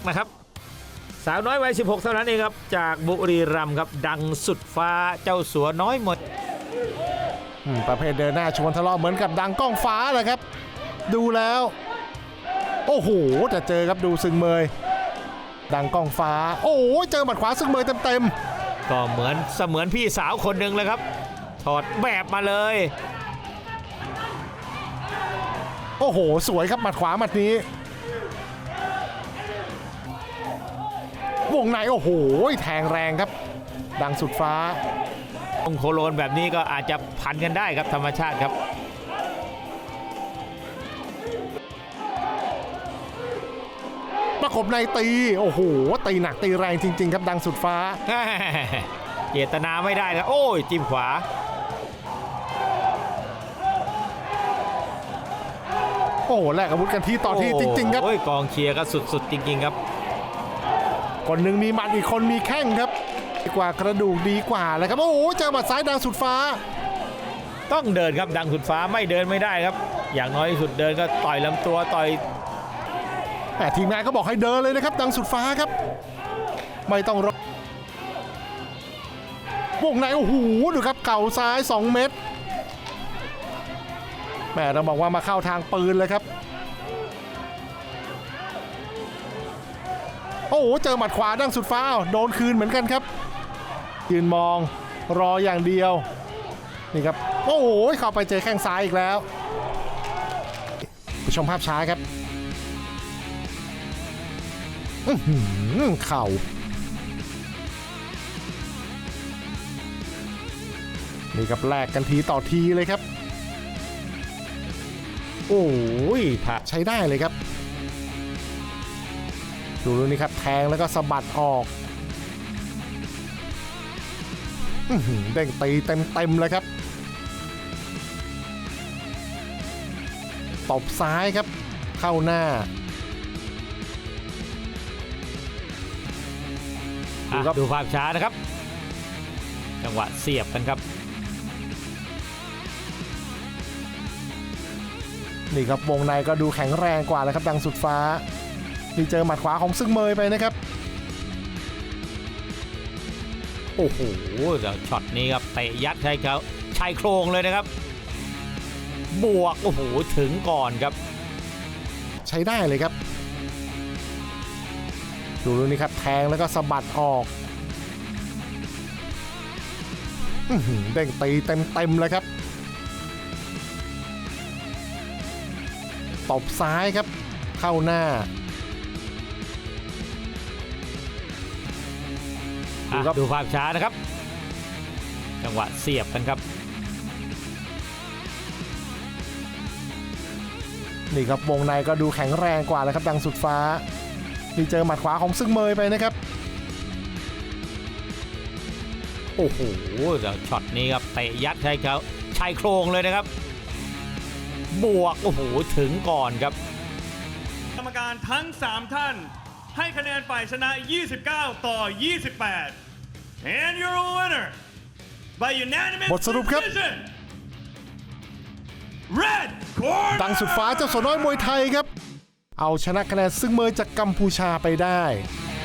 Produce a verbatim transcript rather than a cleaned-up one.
นะครับสาวน้อยวัยสิบหกเท่านั้นเองครับจากบุรีรัมย์ครับดังสุดฟ้าเจ้าสัวน้อยหมดประเภทเดินหน้าชวนทะเลาะเหมือนกับดังก้องฟ้าเลยครับดูแล้วโอ้โหจะเจอครับดูซึงเมยดังก้องฟ้าโอ้โหเจอหมัดขวาซึงเมยเต็มๆก็เหมือนเสมือนพี่สาวคนหนึ่งเลยครับถอดแบบมาเลยโอ้โหสวยครับหมัดขวาหมัดนี้วงในโอ้โหแทงแรงครับดังสุดฟ้าองโคโลนแบบนี้ก็อาจจะพันกันได้ครับธรรมชาติครับประกบในตีโอ้โหตีหนักตีแรงจริงๆครับดังสุดฟ้าเจตนาไม่ได้แล้วโอ้ยจิ้มขวาโอ้โหแลกอาวุธกันที่ต่อที่จริงๆครับโอ้ยกองเชียร์ก็สุดๆจริงๆครับคนหนึ่งมีหมัดอีกคนมีแข้งครับดีกว่ากระดูกดีกว่าเลยครับโอ้โหเจอหมัดซ้ายดังสุดฟ้าต้องเดินครับดังสุดฟ้าไม่เดินไม่ได้ครับอย่างน้อยที่สุดเดินก็ต่อยลำตัวต่อยแต่ทีมงานก็บอกให้เดินเลยนะครับดังสุดฟ้าครับไม่ต้องรอวงในโอ้โหดูครับเข่าซ้ายสองเม็ดแม่เราบอกว่ามาเข้าทางปืนเลยครับโอ้โหเจอหมัดขวาดังสุดฟ้าโดนคืนเหมือนกันครับยืนมองรออย่างเดียวนี่ครับโอ้โหเข้าไปเจอแข้งซ้ายอีกแล้วไปชมภาพช้าครับเข่านี่ครับแลกกันทีต่อทีเลยครับโอ้ยใช้ได้เลยครับดูดูนี่ครับแทงแล้วก็สะบัดออกเด้งตีเต็มๆเลยครับตบซ้ายครับเข้าหน้าดูดูภาพช้านะครับจังหวะเสียบกันครับนี่ครับวงในก็ดูแข็งแรงกว่าแล้วครับดังสุดฟ้านี่เจอหมัดขวาของซึงเมยไปนะครับโอ้โหช็อตนี้ครับเตะยัดใช้เขาชายโครงเลยนะครับบวกโอ้โหถึงก่อนครับใช้ได้เลยครับดูดูนี่ครับแทงแล้วก็สะบัดออกเด้งตีเต็มๆเลยครับตบซ้ายครับเข้าหน้าดูครับดูภาพช้านะครับจังหวะเสียบกันครับนี่ครับวงในก็ดูแข็งแรงกว่าแล้วครับดังสุดฟ้านี่เจอหมัดขวาของซึงเมยไปนะครับโอ้โหช็อตนี้ครับเตะยัดใช้เขาชายโครงเลยนะครับบวกโอ้โหถึงก่อนครับกรรมการทั้งสามท่านให้คะแนนฝ่ายชนะยี่สิบเก้าต่อยี่สิบแปด and you're a winner by unanimous บทสรุปครับ Red Corner ดังสุดฟ้าเจ้าสัวน้อยมวยไทยครับเอาชนะคะแนนซึงเมยจากกัมพูชาไปได้